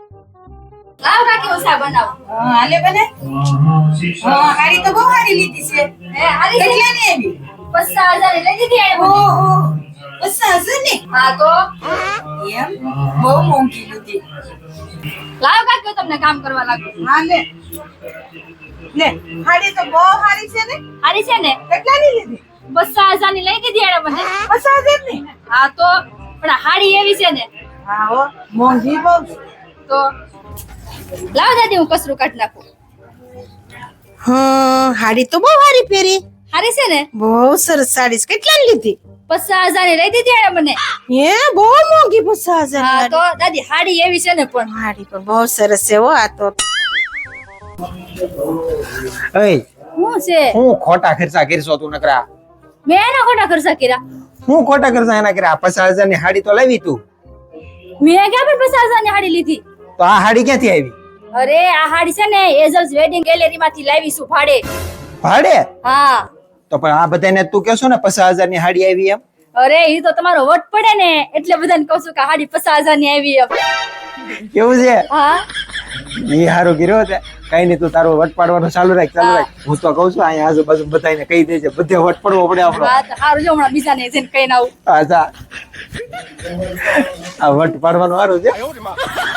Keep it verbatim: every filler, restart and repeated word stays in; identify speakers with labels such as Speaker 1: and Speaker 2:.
Speaker 1: લાવ કાકી ઓસા બનાવ.
Speaker 2: હા હાલે બને. હા હાડી તો બહુ હારી લીધી છે.
Speaker 1: હે હારી છે?
Speaker 2: કેટલાની આવી?
Speaker 1: પચાસ હજાર ની લઈ દીધી આ મને.
Speaker 2: ઓહો પચાસ હજાર ની?
Speaker 1: હા તો
Speaker 2: એમ બહુ મોંઘી લીધી.
Speaker 1: લાવ કાકી તમને કામ કરવા લાગુ.
Speaker 2: હા લે લે હાડી તો બહુ હારી છે ને.
Speaker 1: હારી છે ને?
Speaker 2: કેટલાની લીધી?
Speaker 1: પચાસ હજાર ની લઈ દીધી આ મને.
Speaker 2: પચાસ હજાર ની?
Speaker 1: હા તો પણ આ હાડી એવી છે ને
Speaker 2: હા હો મોંઘી બહુ છે.
Speaker 1: તો લાવ દાદી હું કસરું કાઢ નાખું.
Speaker 2: હા હાડી તો બહુ હારી પહેરી.
Speaker 1: હારી છે ને?
Speaker 2: બહુ સરસ સાડી છે. કેટલાની લીધી?
Speaker 1: પચાસ હજાર ની લઈ દીધી આ મને.
Speaker 2: હે બહુ મોંઘી પચાસ હજાર
Speaker 1: હા
Speaker 2: ની
Speaker 1: તો દાદી હાડી એવી છે ને પણ
Speaker 2: હાડી પણ બહુ સરસ છે હો આ તો.
Speaker 3: એય
Speaker 1: શું છે?
Speaker 3: હું ખોટા ખર્ચા કરશો તું નકરા?
Speaker 1: મેં એના ખોટા ખર્ચા કર્યા.
Speaker 3: હું ખોટા ખર્ચા એના કર્યા? પચાસ હજાર ની હાડી તો લાવી તું,
Speaker 1: મેં ક્યાં પણ પચાસ હજાર ની હાડી લીધી?
Speaker 3: તો આ હાડી ક્યાંથી આવી?
Speaker 1: અરે આ હાડી છે ને એઝલ્સ વેડિંગ ગેલેરી માંથી લાવી છું ભાડે.
Speaker 3: ભાડે?
Speaker 1: હા
Speaker 3: તો પણ આ બધાને તું કેશો ને પચાસ હજાર ની હાડી આવી એમ?
Speaker 1: અરે ઈ તો તમારો વટ પડે ને એટલે બધાને કહું છું કે હાડી પચાસ હજાર ની આવી એમ.
Speaker 3: કેવું છે?
Speaker 1: હા
Speaker 3: ઈ હારું કર્યો તે. કઈ નઈ, તું તારો વટ પાડવાનું ચાલુ રાખ ચાલુ રાખ. હું તો કઉ છું અહીંયા આજુબાજુ બધાને કહી દેજે, બધે વટ પડવો પડે આપણો.
Speaker 1: હા તો હારું જો હમણાં બીજાને જઈને કહીને આવું.
Speaker 3: અચ્છા આ વટ પાડવાનું સારું છે.